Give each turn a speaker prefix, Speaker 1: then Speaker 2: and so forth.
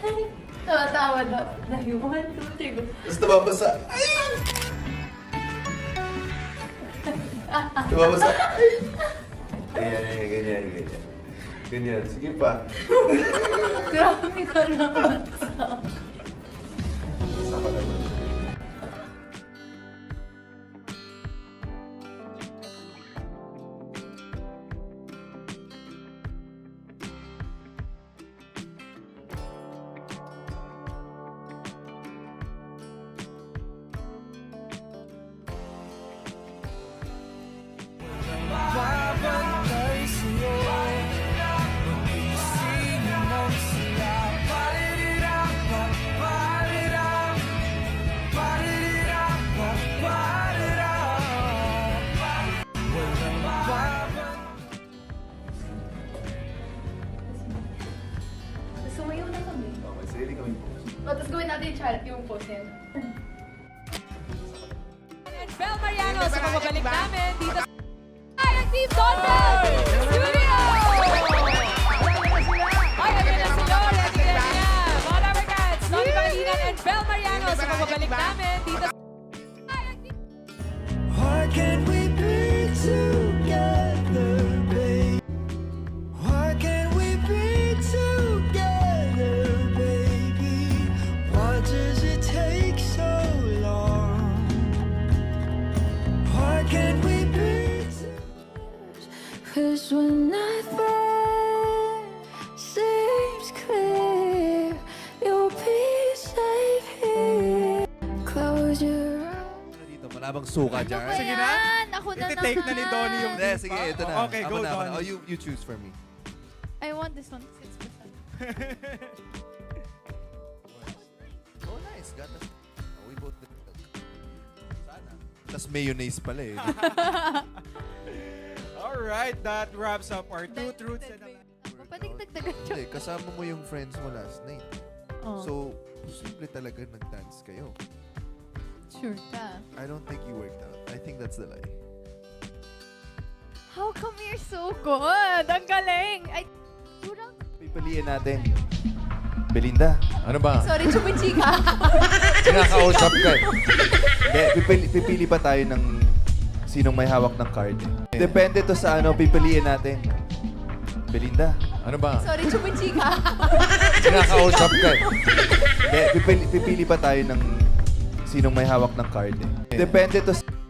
Speaker 1: Tawa-tawa daw. Dahil 1, 2, 3, go.
Speaker 2: Tapos tumabasa. Ay! Tumabasa. Ayan, ganyan. Ganyan, sige pa.
Speaker 1: Grabe ka naman.
Speaker 2: Isa pa naman.
Speaker 3: Babantay sa'yo, magising ng sila. Paririra, paririra, paririra, paririra. Walang babantay.
Speaker 1: Sumayaw na kami.
Speaker 2: Okay, sarili kami po.
Speaker 1: Tapos gawin natin yung pose yan.
Speaker 4: And Bel Mariano sa pagbabalik namin dito sa Team Donald Studio! Ay, ayun na sila. Ready na niya. Mga Rubber Cats, Donnie Pangilinan and Bel Mariano sa pagbabalik namin dito sa
Speaker 3: Why can't we be together, babe? Why can't we be together, baby? Why does it take so long? Why can't we be together? 'Cause when nothing seems clear, you'll be safe here. Close your eyes.
Speaker 2: Dito, malabang suka dyan.
Speaker 5: Sige na.
Speaker 1: Ako na naman.
Speaker 5: Iti-take na ni Donnie yung
Speaker 2: Hindi, sige, ito na.
Speaker 5: Okay,
Speaker 2: Ako
Speaker 5: go,
Speaker 2: na.
Speaker 5: Donnie.
Speaker 2: Oh, you choose for me.
Speaker 1: I want this one. 6%.
Speaker 2: Oh, nice. Got us. Oh, we both did it. Sana. Tapos mayonnaise pala eh.
Speaker 5: Alright, that wraps up our 2 truths and a lie.
Speaker 1: Pwedeng dagdagan siya.
Speaker 2: Hindi, kasama mo yung friends mo last night.
Speaker 1: Oh,
Speaker 2: So, posible talaga nag-dance kayo.
Speaker 1: sure ka.
Speaker 2: I don't think you worked out. I think that's the lie.
Speaker 1: How come you're so good? Ang galing! Ay, kurang.
Speaker 2: Pipiliin natin. Belinda.
Speaker 6: Ano ba?
Speaker 1: Sorry, chumichika.
Speaker 6: Kinakausap ka eh.
Speaker 2: Hindi, pipili pa tayo ng sinong may hawak ng card. Depende to sa ano, pipiliin natin. Belinda.
Speaker 6: Ano ba?
Speaker 1: Sorry, chumichika.
Speaker 6: Kinakausap ka eh.
Speaker 2: Hindi, pipili pa tayo ng sinong may hawak ng card. Depende to sa...